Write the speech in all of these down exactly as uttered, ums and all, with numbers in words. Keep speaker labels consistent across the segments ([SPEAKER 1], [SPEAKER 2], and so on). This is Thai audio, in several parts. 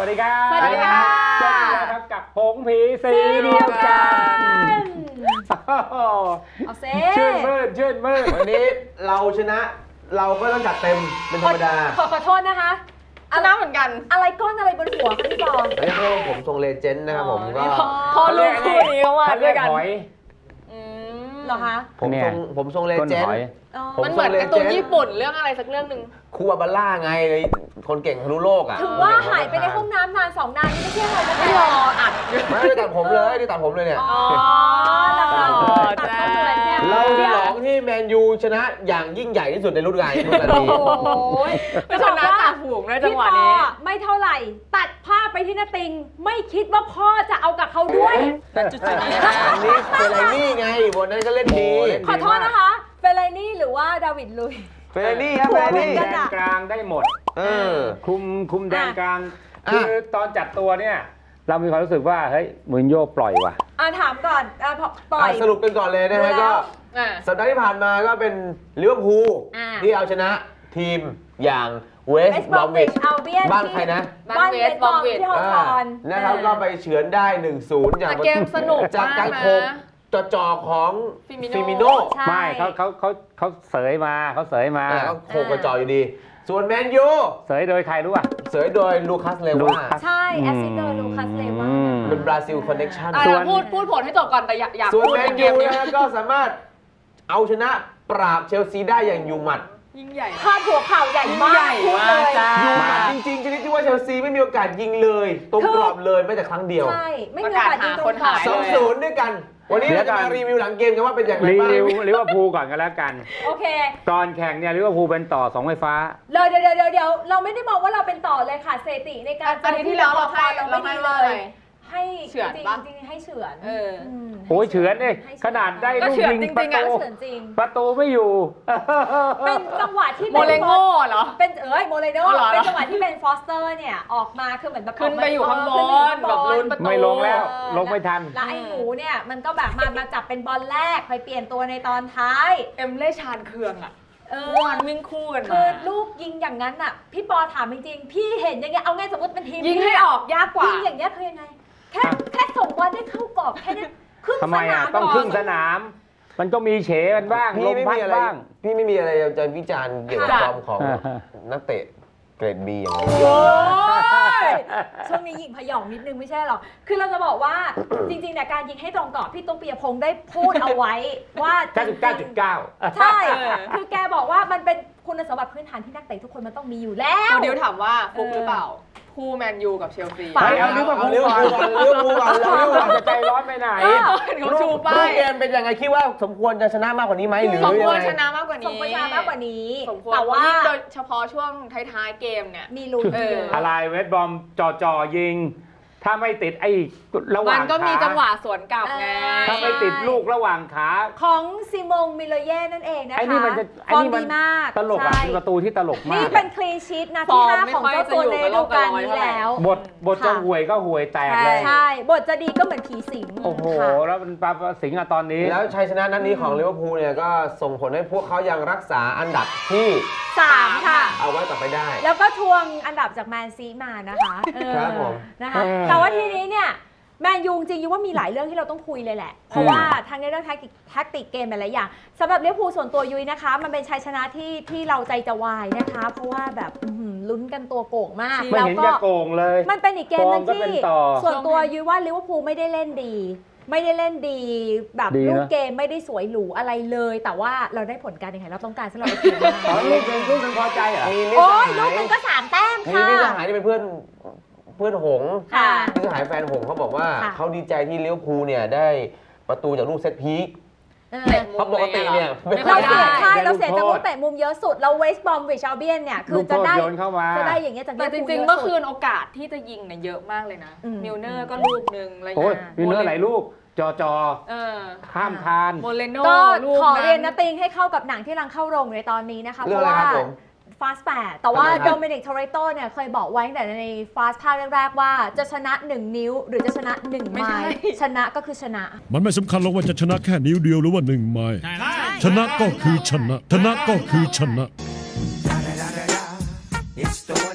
[SPEAKER 1] วัสดีครับ
[SPEAKER 2] สวัสดีค่ะ
[SPEAKER 1] เจอกันแล้วครับกับผงผีสีเดียวกัน
[SPEAKER 2] เอาเซ่
[SPEAKER 1] ชื่นมื่นชื่นมื่น
[SPEAKER 3] วันนี้เราชนะเราก็ต้องจัดเต็มเป็นธรรมดา
[SPEAKER 2] ขอขอโทษนะคะชนะเหมือนกันอะไรก้อนอะไรบนหัวคะพี่บอล
[SPEAKER 3] เรียกว่าผมทรงเลเจนด์นะครับผมก็
[SPEAKER 2] พอลูกคู่นี้เขามาด้วยกันเหรอคะ
[SPEAKER 3] ผมทรงผมทรงเลเจนด์
[SPEAKER 2] มันเหมือนการ์ตูนญี่ปุ่นเรื่องอะไรสักเรื่องหนึ่ง
[SPEAKER 3] คูบาบาร่าไงคนเก่งทะลุโลกอ่ะ
[SPEAKER 2] ถึงว่าหายไปในห้องน้ำนานสองนานไม่ใช่อะไรนะไม่รออัด
[SPEAKER 3] ไม่ได้ตัดผมเลยได้ตัดผมเลยเนี่ย
[SPEAKER 2] อ๋อแล้วก็ตัดผมเหมือนเนี่ย
[SPEAKER 3] เราฉลองที่แมนยูชนะอย่างยิ่งใหญ่ที่สุดในรุ่นการรุ่นการนี้
[SPEAKER 2] โอ้ยจะชนะจ่าฝูงในจังหวะนี้ไม่เท่าไหร่ตัดภาพไปที่นาติงไม่คิดว่าพ่อจะเอากับเขาด้วย
[SPEAKER 3] จุดๆนี้อันนี้เฟลานี่ไงบนนั้นก็เล่นดี
[SPEAKER 2] ขอโทษนะคะเฟลานี่หรือว่าดาวิดลุย
[SPEAKER 3] เฟลานี่ครับเฟลานี่
[SPEAKER 1] แดนกลางได้หมด
[SPEAKER 3] เออ
[SPEAKER 1] คุมคุมแดนกลางคือตอนจัดตัวเนี่ยเรามีความรู้สึกว่าเฮ้ยมูรินโญ่ปล่อยว่ะ
[SPEAKER 2] อ่าถามก่อนอ่าปล่อย
[SPEAKER 3] สรุปกันก่อนเลยนะฮะก็สัปดาห์ที่ผ่านมาก็เป็นลิเวอร์พูลที่เอาชนะทีมอย่างเวสต์บรอมวิชบ้านใครนะ
[SPEAKER 2] บ้านเวสต์บรอมวิชที่ฮอลล์คอน
[SPEAKER 3] นะครับก็ไปเฉือนได้ หนึ่งศูนย์ จาก
[SPEAKER 2] เกมสนุก
[SPEAKER 3] จากการโคกจ่อของฟิมิโน่
[SPEAKER 1] ไม่เขาเขาเขาเขาเสยมาเขาเสยมา
[SPEAKER 3] เขาโคกกระจ่ออยู่ดีส่วนแมนยู
[SPEAKER 1] เสยโดยใครรู้ป่ะ
[SPEAKER 3] เสยโดยลูคัสเลวา
[SPEAKER 2] ใช่แอสซิสต์โดยลูคัสเลวา
[SPEAKER 3] เป็นบราซิลคอนเนคชั่น
[SPEAKER 2] ส่วนพูดพูดผลให้จบก่อนแต่อยากอยาก
[SPEAKER 3] ส่วนแมนยูนะก็สามารถเอาชนะปราบเชลซีได้อย่างยูหมัด
[SPEAKER 2] ยิ่งใหญ่พาดหัวข่าวใหญ่มาก
[SPEAKER 3] ยูหมัดจริงๆชนิดที่ว่าเชลซีไม่มีโอกาสยิงเลยตรงกรอบเลยแม้แต่ครั้งเดียว
[SPEAKER 2] ใช่ไม่มีโอกาสยิงตรงกรอบ
[SPEAKER 3] สองศูนย์ด้วยกันวันนี้เราจะมารีวิวหลังเกมกันว่าเป็นอย่างไรบ้าง
[SPEAKER 1] รีวิวลิเวอร์พูลก่อนกันแล้วกัน
[SPEAKER 2] โอเค
[SPEAKER 1] ตอนแข่งเนี่ยลิเวอร์พูลเป็นต่อสองไฟฟ้า
[SPEAKER 2] เลยเดี๋ยวเดี๋ยวเดี๋ยวเราไม่ได้บอกว่าเราเป็นต่อเลยค่ะเซติในการ
[SPEAKER 4] อันนี้ที่แล้วเราให้เราไม่เลย
[SPEAKER 2] ให้เฉือนจริงๆให้เฉือน
[SPEAKER 1] โอ้ยเฉือนเลยขนาดได้ลูกยิงประตูประตูไม่อยู่
[SPEAKER 2] เป็นจังหวะที่
[SPEAKER 4] โมเลโง่เหรอ
[SPEAKER 2] เป็นเอ้ยโมเลโง่เป็นจังหวะที่เป็นฟอสเตอร์เนี่ยออกมาคือเหมือนแบบ
[SPEAKER 4] ขึ้นไปอยู่ข้างบนแบบลุ้นประตู
[SPEAKER 1] ไม่ลงแล้วลงไม่ทัน
[SPEAKER 2] แล้วไอ้หนูเนี่ยมันก็แบบมามาจับเป็นบอลแรกไปเปลี่ยนตัวในตอนท้าย
[SPEAKER 4] เอ็มเล่ชานเคืองอ่ะเออวันวิ่งคู่กัน
[SPEAKER 2] คือลูกยิงอย่างนั้นอ่ะพี่ปอถามจริงๆพี่เห็นอย่างเงี้ยเอาไงสมมติเป็นทีม
[SPEAKER 4] ยิงให้ออกยากกว่า
[SPEAKER 2] ยิงอย่างเงี้ยคือยังไงแค่แค่ส่งบอลได้เข้ากรอบแค่นี้ครึ่งสนาม
[SPEAKER 1] ต้องครึ่งสนามมันก็มีเฉมันบ้างลมพัดบ้าง
[SPEAKER 3] พี่ไม่มีอะไรจะวิจารณ์เกี่ยวกับฟอร์มของนักเตะเกรดบีอย่างนี้
[SPEAKER 2] ช่วงนี้ยิงพยองนิดนึงไม่ใช่หรอคือเราจะบอกว่าจริงๆเนี่ยการยิงให้ตรงกรอบพี่ตุ๊กปิยพงษ์ได้พูดเอาไว้ว่า
[SPEAKER 1] เก้าสิบเก้าจุดเก้า
[SPEAKER 2] ใช่คือแกบอกว่ามันเป็นคุณสมบัติพื้นฐานที่นักเตะทุกคนมันต้องมีอยู่แล้ว
[SPEAKER 4] เดี๋ยวถามว่าฟุกหรือเปล่าคู่แมนยูกับเชลซี
[SPEAKER 1] ไปเอาลิเวอร์พูลก่อนลิเวอร์พูลก่อนลิเวอร์พูลจะใจร้อนไปไหน
[SPEAKER 4] เขาชูป้าย
[SPEAKER 3] เกมเป็นยังไงคิดว่าสมควรจะชนะมากกว่านี้ไหมหรือ
[SPEAKER 4] สมควรชนะมากกว่านี้
[SPEAKER 2] สมควรชนะมากกว่านี้
[SPEAKER 4] แต่ว่าโดยเฉพาะช่วงท้ายๆเกมเนี่ย
[SPEAKER 2] มีลุ้น
[SPEAKER 1] อะไรเวสต์บอมจ่อจ่อยิงถ้าไม่ติดไอ้ระหว่างขา
[SPEAKER 4] มันก็มีจังหวะสวนกลับไง
[SPEAKER 1] ถ้าไม่ติดลูกระหว่างขา
[SPEAKER 2] ของซิมงมิโลเย่นั่นเองนะคะ
[SPEAKER 1] ไอ้นี่มันจะไอ้นี่มันตลกอ่ะเป็นประตูที่ตลกมาก
[SPEAKER 2] นี่เป็นคลีนชีทนะที่ห้าของเจ้าตัวในฤดูกาลนี้แล้ว
[SPEAKER 1] บทบทจะห่วยก็ห่วยแตกเลย
[SPEAKER 2] ใช่บทจะดีก็เหมือนผีสิง
[SPEAKER 1] โอ้โหแล้วมันปลาสิงอะตอนนี้
[SPEAKER 3] แล้วชัยชนะนัดนี้ของลิเวอร์พูลเนี่ยก็ส่งผลให้พวกเขายังรักษาอันดับที่
[SPEAKER 2] สามค่ะ
[SPEAKER 3] เอาไว้ต่อไปได้
[SPEAKER 2] แล้วก็ทวงอันดับจากแมนซีมานะคะ
[SPEAKER 3] ครับผม
[SPEAKER 2] นะคะแต่ว่าทีนี้เนี่ยแมนยูจริงๆว่ามีหลายเรื่องที่เราต้องคุยเลยแหละเพราะว่าทั้งในเรื่องแท็กติกเกมหลายอย่างสำหรับลิเวอร์พูลส่วนตัวยุ้ยนะคะมันเป็นชัยชนะที่ที่เราใจจะวายนะคะเพราะว่าแบบลุ้นกันตัวโก่งมาก
[SPEAKER 1] แล้วก็โก่งเลย
[SPEAKER 2] มันเป็นอีกเกมนึงที่ส่วนตัวยุ้ยว่าลิเวอร์พูลไม่ได้เล่นดีไม่ได้เล่นดีแบบลูกเกมไม่ได้สวยหรูอะไรเลยแต่ว่าเราได้ผลการแข่งขันเราต้องการสำหรับทีม
[SPEAKER 1] อ๋อลูกเป็นลูกเป็นพอใจเหรอ
[SPEAKER 2] โอ้ยลูกมันก็สามแต้มค่ะ
[SPEAKER 3] พี่สหายที่เป็นเพื่อนเพื่อนหงส์พี่สหายแฟนหงส์เขาบอกว่าเขาดีใจที่ลิเวอร์พูลเนี่ยได้ประตูจากลูกเซตพีคเพราะปกติเนี่ย
[SPEAKER 2] เราเสียใช่เราเสียจากลูกเตะมุมเยอะสุดเราเวสต์บอมวิชอัลเบียนเนี่ยคือจะได้จะได้อย่างเงี้ยจาก
[SPEAKER 4] แต่จริงๆเมื่อคืนโอกาสที่จะยิงเนี่ยเยอะมากเลยนะมิลเนอร์ก็ลูกนึงอะไร
[SPEAKER 1] เงี้ยมิลเนอร์หลายลูกจอจอข้ามคาน
[SPEAKER 4] โมเลโน่
[SPEAKER 2] ก็ขอเรียนนะติงให้เข้ากับหนังที่กำลังเข้าโรงในตอนนี้นะคะเพราะว่าฟาสแปดแต่ว่าโดมินิกโทเรโตเนี่ยเคยบอกไว้ตั้งแต่ในฟาสภาคแรกๆว่าจะชนะหนึ่งนิ้วหรือจะชนะหนึ่งไม้ชนะก็คือชนะ
[SPEAKER 5] มันไม่สำคัญหรอกว่าจะชนะแค่นิ้วเดียวหรือว่าหนึ่งไม้ชนะก็คือชนะชนะก็คือชนะ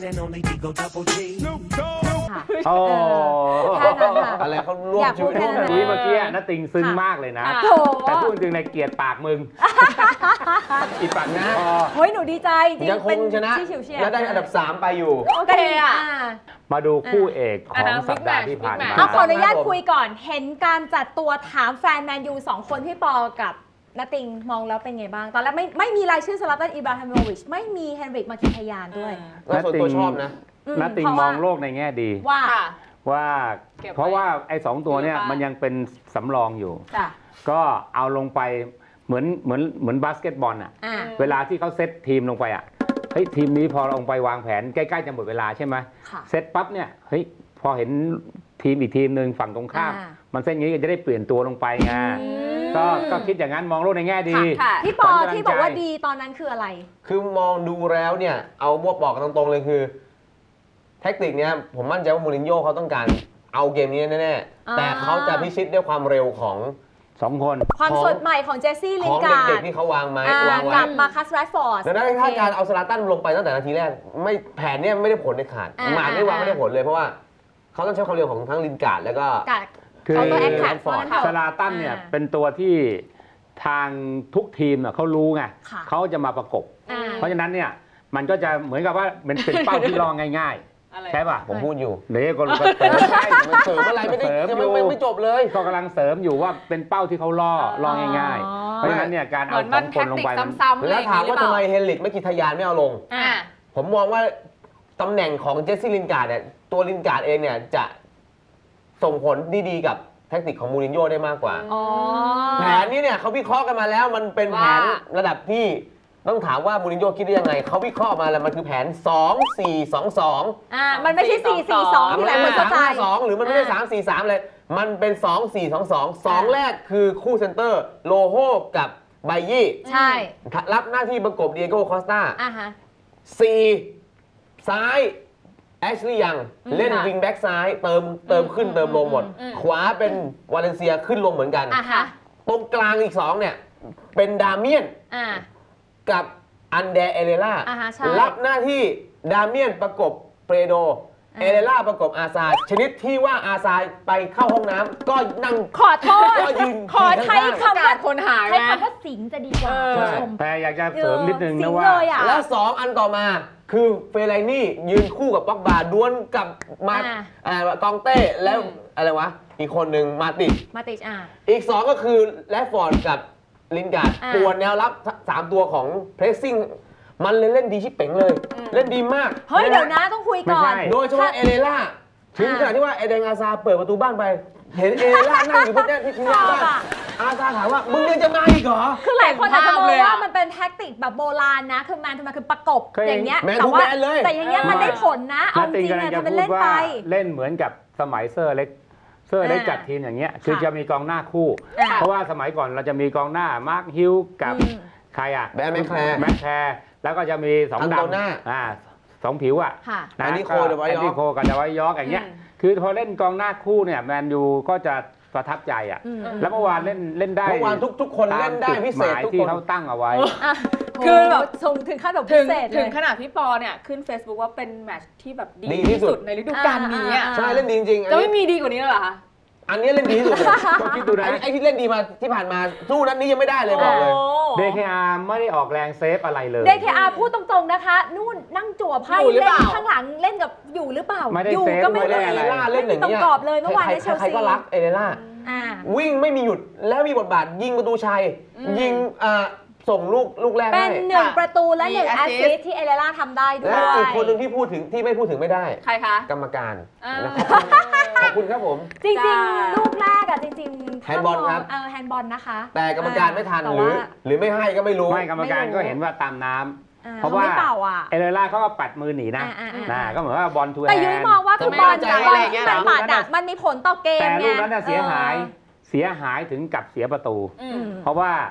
[SPEAKER 1] โอ้
[SPEAKER 2] แค่นั้นค่ะ
[SPEAKER 3] อะไรเขาร่วม
[SPEAKER 2] อยาก
[SPEAKER 3] ชี
[SPEAKER 2] พู
[SPEAKER 3] วิ
[SPEAKER 2] ด
[SPEAKER 3] ต
[SPEAKER 2] แค่
[SPEAKER 3] ร่วม
[SPEAKER 2] นั้น
[SPEAKER 1] นุ้ยเมื่อกี้น่าติงซึ้งมากเลยนะ
[SPEAKER 2] โถ
[SPEAKER 1] แต่พูดจริงในเกลียดปากมึง อีปากนะพอ
[SPEAKER 2] เฮ้ยหนูดีใจจริง
[SPEAKER 3] ยังค
[SPEAKER 2] เป็น
[SPEAKER 3] งชนะ
[SPEAKER 2] ที่เฉียวเฉียด
[SPEAKER 3] และได้อันดับสามไปอยู่
[SPEAKER 4] โอเคอ่ะ
[SPEAKER 1] มาดูคู่เอกข
[SPEAKER 4] อ่า
[SPEAKER 1] องสัปดาห์ที่ผ่าน
[SPEAKER 4] บิ๊กแม
[SPEAKER 1] มา
[SPEAKER 4] ท
[SPEAKER 2] เอาขออนุญาต
[SPEAKER 3] ครับผม
[SPEAKER 2] คุยก่อน เห็นการจัดตัวถามแฟนแมนยูสองคนพี่ปอกับนาติงมองแล้วเป็นไงบ้าง ตอนแรกไม่ไม่มีรายชื่อซาลาตันอิบราฮิโมวิชไม่มีเฮนริกมาคินทยานด้วย
[SPEAKER 3] แล้วส่วนตัวชอบนะ
[SPEAKER 2] อื
[SPEAKER 1] นัตติง
[SPEAKER 2] เพราะ
[SPEAKER 1] ม
[SPEAKER 2] ว่า
[SPEAKER 1] องโลกในแง่ดี
[SPEAKER 2] ว่า
[SPEAKER 4] ค่ะ
[SPEAKER 1] ว่า
[SPEAKER 4] เก็บไว้
[SPEAKER 1] เพราะว่าไอ้สองตัวเนี่ย
[SPEAKER 4] อยู่ในบ้าน
[SPEAKER 1] มันยังเป็นสำรองอยู่
[SPEAKER 2] จ้ะ
[SPEAKER 1] ก็เอาลงไปเหมือนเหมือนเหมือนบาสเกตบอลอ่ะ
[SPEAKER 2] อ่า
[SPEAKER 1] เวลาที่เขาเซตทีมลงไปอ่ะเฮ้ยทีมนี้พอเราลงไปวางแผนใกล้ๆจะหมดเวลาใช่ไหม
[SPEAKER 2] ค่ะ
[SPEAKER 1] เซตปั๊บเนี่ยเฮ้ยพอเห็นทีมอีกทีมหนึ่งฝั่งตรงข้าม
[SPEAKER 2] อ่า
[SPEAKER 1] มันเส้นอย่างนี้ก็จะได้เปลี่ยนตัวลงไปไงก็ก็คิดอย่างนั้นมองโลกในแง่ดี
[SPEAKER 4] ค่ะ
[SPEAKER 2] พี่ปอ
[SPEAKER 1] ขวัญกำลัง
[SPEAKER 2] ที่บอกว่า
[SPEAKER 1] ใจ
[SPEAKER 2] ดีตอนนั้นคืออะไร
[SPEAKER 3] คือมองดูแล้วเนี่ย เอาบวกบอกกันตรงๆเลยคือแท็กติกเนี้ยผมมั่นใจว่ามูรินโญ่เขาต้องการเอาเกมนี้แน่
[SPEAKER 2] อ่า
[SPEAKER 3] ๆแต่เขาจะพิชิตด้วยความเร็วของ
[SPEAKER 1] สองคน
[SPEAKER 2] ความ
[SPEAKER 3] ของ
[SPEAKER 2] สดใหม่ของเจสซี่ลิ
[SPEAKER 3] ข
[SPEAKER 2] น
[SPEAKER 3] อง
[SPEAKER 2] การ์
[SPEAKER 3] เด็
[SPEAKER 2] ด
[SPEAKER 3] กๆที่เขาวางไม้
[SPEAKER 2] อ่าว
[SPEAKER 3] างไว้
[SPEAKER 2] กับมาคัสแรดฟอร์ด
[SPEAKER 3] ดังนั้นถ้าการเอาสลาตันลงไปตั้งแต่นาทีแรกไม่แผนเนี่ยไม่ได้ผลในขาด
[SPEAKER 2] อ่า
[SPEAKER 3] หมากไม่วางไม่ได้ผลเลยเพราะว่าเขาต้องใช้ความเร็วของทั้งลินการ์ดแล้วก็
[SPEAKER 2] กับ
[SPEAKER 1] คือ
[SPEAKER 2] เขาตัวแอคแท็ก
[SPEAKER 3] ฟอร์ด
[SPEAKER 1] สลาตันเนี่ย
[SPEAKER 2] อ่า
[SPEAKER 1] เป็นตัวที่ทางทุกทีมน่ะเขารู้ไง
[SPEAKER 2] ค่ะ
[SPEAKER 1] เขาจะมาประกบ
[SPEAKER 2] อ่า
[SPEAKER 1] เพราะฉะนั้นเนี่ยมันก็จะเหมือนกับว่ามันเป็นเป้าที่รองง่าย
[SPEAKER 4] อะไร
[SPEAKER 1] ๆ ใช่ป่ะ
[SPEAKER 3] ผมพูดอยู่
[SPEAKER 1] เดี๋ยวก็รู้ก็เสริมใช่
[SPEAKER 3] มันเสริมอะไรไม่ได้
[SPEAKER 1] เสริม
[SPEAKER 3] ยัง
[SPEAKER 1] อยู่
[SPEAKER 3] ไม่ไม่ไม่จบเลย
[SPEAKER 1] ก็กำลังเสริมอยู่ว่าเป็นเป้าที่เขาล่อล่อง่าย
[SPEAKER 2] อ๋อ
[SPEAKER 1] ๆ เพราะฉะนั้นเนี่ยการ
[SPEAKER 4] เห
[SPEAKER 1] เอา
[SPEAKER 4] มือน
[SPEAKER 1] ส
[SPEAKER 4] มั
[SPEAKER 1] อน งค
[SPEAKER 4] แท็
[SPEAKER 1] น
[SPEAKER 4] ก
[SPEAKER 1] ลง
[SPEAKER 4] ติก
[SPEAKER 1] ไปมัน
[SPEAKER 4] ซ้ำๆอะไร
[SPEAKER 3] แล้
[SPEAKER 4] อ
[SPEAKER 3] ว
[SPEAKER 4] ย่าง
[SPEAKER 3] ถาม
[SPEAKER 4] นี้หรือ
[SPEAKER 3] ว่า
[SPEAKER 4] เป
[SPEAKER 3] ทำ
[SPEAKER 4] ล่า
[SPEAKER 3] ไมเฮนริกไม่กิทยานไม่เอาลง
[SPEAKER 2] อ่า
[SPEAKER 3] ผมมองว่าตำแหน่งของเจสซี่ลินการ์ดเนี่ยตัวลินการ์ดเองเนี่ยจะส่งผลดีๆกับแทคติกของมูรินโญ่ได้มากกว่า
[SPEAKER 2] อ๋อ
[SPEAKER 3] แผนนี้เนี่ยเขาวิเคราะห์กันมาแล้วมันเป็นแผน
[SPEAKER 4] ว่า
[SPEAKER 3] ระดับที่ต้องถามว่ามูรินโญ่คิดได้ยังไงเขาวิเคราะห์มาแล้วมันคือแผน สอง สี่ สอง สอง
[SPEAKER 2] อ่า มันไม่ใช่ สี่ สี่ สอง
[SPEAKER 3] อ่ะ
[SPEAKER 2] ที่
[SPEAKER 3] มัน
[SPEAKER 2] หลาย
[SPEAKER 3] ไม่
[SPEAKER 2] คน
[SPEAKER 3] ใช่
[SPEAKER 2] เข้า
[SPEAKER 3] สาม
[SPEAKER 2] ใจ
[SPEAKER 3] ห้าสองหรือมันไม่ได้
[SPEAKER 2] อ่า
[SPEAKER 3] สาม สี่ สามเลย มันเป็น สอง สี่ สอง สอง สอง แรกคือคู่เซนเตอร์โลโฮกับไบยี่
[SPEAKER 2] ใช่
[SPEAKER 3] รับหน้าที่ประกบเดียโก้คอสตา
[SPEAKER 2] อ่าฮะ
[SPEAKER 3] สี่ซ้ายแอชลีย์ยัง
[SPEAKER 2] อืม
[SPEAKER 3] เล่น
[SPEAKER 2] ค่ะ
[SPEAKER 3] วิงแบ็กซ้ายเติมเติมขึ้น
[SPEAKER 2] อืม
[SPEAKER 3] เติมลงหมด
[SPEAKER 2] อืม
[SPEAKER 3] ขวาเป็นวาเลนเซียขึ้นลงเหมือนกัน
[SPEAKER 2] อ่าฮะ
[SPEAKER 3] ตรงกลางอีกสองเนี่ย เป็นดาเมียน
[SPEAKER 2] อ่า
[SPEAKER 3] กับอันเดเอเลล่า
[SPEAKER 2] อ่าฮะใช่
[SPEAKER 3] รับหน้าที่ดาเมียนประกบเปโด
[SPEAKER 2] อ่า
[SPEAKER 3] เอเลล่าประกบอาซาชนิดที่ว่าอาซาไปเข้าห้องน้ำก็นั่ง
[SPEAKER 2] ขอโทษ
[SPEAKER 3] ก็ยืน
[SPEAKER 2] ขอใช้
[SPEAKER 3] ข้าง
[SPEAKER 2] คำ
[SPEAKER 4] กา
[SPEAKER 2] ว่า
[SPEAKER 4] รคนหาย
[SPEAKER 2] ใช้
[SPEAKER 4] ไหม
[SPEAKER 2] คำว่าสิงจะดีกว่า
[SPEAKER 4] เออ
[SPEAKER 2] คุณผู้ชม
[SPEAKER 1] แต่อยากจะเสริมนิดนึง
[SPEAKER 2] สิ
[SPEAKER 1] นะ
[SPEAKER 2] ง
[SPEAKER 1] ว่า
[SPEAKER 2] เลยอ่ะ
[SPEAKER 3] ๆแล้วสองอันต่อมาคือเฟรไลนี่ยืนคู่กับป็อกบาดวลกับมา
[SPEAKER 2] อ่า
[SPEAKER 3] อ่ากองเต้แล้วอะไรวะ อีกคนหนึ่งมาติด
[SPEAKER 2] มาติชอ่า
[SPEAKER 3] อีก สอง ก็คือแรดฟอร์ดกับลินการ์ด
[SPEAKER 2] อ่า
[SPEAKER 3] ปวนแนวรับสามตัวของเพรสซิ่งมันเลยเล่นดีชิบเป๋งเลย เล่นดีมาก
[SPEAKER 2] เฮ้ย เดี๋ยวนะต้องคุยก่อน
[SPEAKER 1] ไม่ใช่
[SPEAKER 3] โดยเฉพาะเอเลล่าถึงขนาดที่ว่าเอเดนอาซาเปิดประตูบ้านไป เห็นเอเลล่านั่งอยู่บนแท่นที่ทิ้งหน้าบ้าน
[SPEAKER 2] ชอบอะ
[SPEAKER 3] อาซาถามว่า มึงยังจะมาอีกเหรอ
[SPEAKER 2] คือหลายคนอาจจะมอง
[SPEAKER 4] เห็นภาพเลยอะ
[SPEAKER 2] ว่ามันเป็นแท็กติกแบบโบราณนะ คือแมนทูแมนคือประกบ
[SPEAKER 1] เคย
[SPEAKER 2] อย่างเงี้ย
[SPEAKER 3] แมน
[SPEAKER 2] แต่
[SPEAKER 3] ทู
[SPEAKER 2] ว่า
[SPEAKER 3] แมนเลย
[SPEAKER 2] แต่อย่างเงี้ยมันได้ผลนะ เอา
[SPEAKER 1] นา
[SPEAKER 2] จ
[SPEAKER 1] ติง
[SPEAKER 2] ริง
[SPEAKER 1] กำลั
[SPEAKER 2] เนี่
[SPEAKER 1] ง
[SPEAKER 2] ย
[SPEAKER 1] จะ
[SPEAKER 2] ทำเป็น
[SPEAKER 1] พู
[SPEAKER 2] เล่
[SPEAKER 1] ด
[SPEAKER 2] น
[SPEAKER 1] ว่า
[SPEAKER 2] ไป
[SPEAKER 1] เล่นเหมือนกับสมัยเซอร์เล็กเซอร์เล็ก
[SPEAKER 2] อ่า
[SPEAKER 1] จัดทีมอย่างเงี้ยคือ
[SPEAKER 2] ค่ะ
[SPEAKER 1] จะมีกองหน้าคู่
[SPEAKER 2] อ่า
[SPEAKER 1] เพราะว่าสมัยก่อนเราจะมีกองหน้ามาร์คฮิลกับ
[SPEAKER 2] อืม
[SPEAKER 1] ใครอ่ะ
[SPEAKER 3] แบร์แมคแคร์
[SPEAKER 1] แมคแคร์แล้วก็จะมีสอง
[SPEAKER 3] อันโตน่า
[SPEAKER 1] ดำอ่าสองผิวอ่ะ
[SPEAKER 2] ค่ะ
[SPEAKER 1] นะ
[SPEAKER 3] แอนดี้โค
[SPEAKER 1] ก็
[SPEAKER 3] เดอะไวท์ยอร์ก
[SPEAKER 1] แอนดี้โคกับเดอะไวท์ยอร์กอย่างเงี้ย
[SPEAKER 4] อืม
[SPEAKER 1] คือพอเล่นกองหน้าคู่เนี่ยแมนยูก็จะประทับใจอ่ะ
[SPEAKER 2] อืม
[SPEAKER 1] แล้วเมื่อวานเล่นเล่นได้
[SPEAKER 3] เมื่อวานทุกทุกคนเล่นได้
[SPEAKER 1] ตามจุ
[SPEAKER 3] พิเศษ
[SPEAKER 1] หมาย
[SPEAKER 3] ทุก
[SPEAKER 1] ที่
[SPEAKER 3] คน
[SPEAKER 1] เขาตั้งเอาไว้
[SPEAKER 2] อ่ะ
[SPEAKER 4] คือแบบ
[SPEAKER 2] โหส่งถึงขั้นแบบ
[SPEAKER 4] ถึ
[SPEAKER 2] พิ
[SPEAKER 4] ง
[SPEAKER 2] เศษเล
[SPEAKER 4] ถึง
[SPEAKER 2] ย
[SPEAKER 4] ขนาดพี่ปอเนี่ยขึ้น Facebook ว่าเป็นแมตช์ที่แบบดี
[SPEAKER 3] ดีที่
[SPEAKER 4] ที่
[SPEAKER 3] สุ
[SPEAKER 4] สุ
[SPEAKER 3] ด
[SPEAKER 4] ดในฤดูกาลนี้อ่ะ
[SPEAKER 2] อ่า
[SPEAKER 3] ใช่เล่นดีจริงๆอัน
[SPEAKER 4] จะ
[SPEAKER 3] นี้
[SPEAKER 4] ไม่มีดีกว่านี้แล้วเหรอคะ
[SPEAKER 3] อันนี้เล่นดีที่สุดเลย
[SPEAKER 1] ก็คิดดูนะ
[SPEAKER 3] ไอ้ไอ้ที่เล่นดีมาที่ผ่านมาสู้นัดนี้ยังไม่ได้เลยบอกเลย
[SPEAKER 1] เดคอาร์ไม่ได้ออกแรงเซฟอะไรเลย
[SPEAKER 2] เด เค อาร์ พูดตรงๆนะคะ นู่นนั่งจั่วไพ่
[SPEAKER 4] อยู่หรือ
[SPEAKER 2] เล่
[SPEAKER 4] เป
[SPEAKER 2] น
[SPEAKER 4] ล่า
[SPEAKER 2] ข้างหลังเล่นกับอยู่หรือเปล่า
[SPEAKER 1] ไม่ได้
[SPEAKER 2] อยู่
[SPEAKER 1] เซฟ
[SPEAKER 2] ก็ไม่
[SPEAKER 1] ไม่ได้
[SPEAKER 2] ได้
[SPEAKER 1] อะไร
[SPEAKER 3] เอเลล่าเล่นอย่าง
[SPEAKER 2] ไม่มีตรง
[SPEAKER 3] เงี้ย
[SPEAKER 2] กรอบเลยเมื่อวานในเชล
[SPEAKER 3] ใคร
[SPEAKER 2] ซี
[SPEAKER 3] ๆก็รักเอเลล่า
[SPEAKER 2] อ่า
[SPEAKER 3] วิ่งไม่มีหยุดแล้วมีบทบาทยิงประตูชัย ยิงอ่าส่งลูกลูกแรก
[SPEAKER 2] เป็น
[SPEAKER 3] ให้
[SPEAKER 2] หนึ่งประตูและหนึ่ง
[SPEAKER 4] มี
[SPEAKER 2] แอส
[SPEAKER 4] assist
[SPEAKER 2] ซิสที่เอเลล่าทำได้ด้ว
[SPEAKER 3] และ
[SPEAKER 2] ย
[SPEAKER 3] อีกคนหนึ่งที่พูดถึงที่ไม่พูดถึงไม่ได้
[SPEAKER 4] ใครคะ
[SPEAKER 3] กรรมการ
[SPEAKER 4] อ่า
[SPEAKER 3] นะครับขอบคุณครับผม
[SPEAKER 2] จริง
[SPEAKER 4] จ้า
[SPEAKER 2] ๆ ลูกแรกอะจริงๆ
[SPEAKER 3] แฮนด์บอลครับ
[SPEAKER 2] เออแฮนด์บอลนะคะ
[SPEAKER 3] แต่กรรมการไม่ทัน
[SPEAKER 2] แต่
[SPEAKER 3] หรือ
[SPEAKER 2] ว่า
[SPEAKER 3] หรือไม่ให้ก็ไม่รู้
[SPEAKER 1] ไม่กรรมการ
[SPEAKER 2] ไม่รู้
[SPEAKER 1] ก็เห็นว่าตามน้ำ
[SPEAKER 2] อ่
[SPEAKER 1] เพราะว่า
[SPEAKER 2] ไม่เป่าอ่ะ
[SPEAKER 1] เอเลล่าเขาก็ปัดมือหนีนะ
[SPEAKER 2] อ่าอ่าอ่า
[SPEAKER 1] นะก็เหมือนว่าบอลทูแฮน
[SPEAKER 2] แต่ยุ้ยมองว่าคือบอล
[SPEAKER 3] จะ
[SPEAKER 2] จาก
[SPEAKER 3] ไม่
[SPEAKER 2] บอล
[SPEAKER 3] อะไรอย่างเงี้
[SPEAKER 2] ที่
[SPEAKER 3] ย
[SPEAKER 2] มันปัดอะมันมีผลต่อเกม
[SPEAKER 1] แต่
[SPEAKER 2] ไง
[SPEAKER 1] ลูกนั้นน่ะเสียหาย
[SPEAKER 2] ออ
[SPEAKER 1] เสียหายถึงกับเสียประตู
[SPEAKER 4] อื
[SPEAKER 2] อื
[SPEAKER 4] ม
[SPEAKER 2] ม
[SPEAKER 1] เพราะว่าพ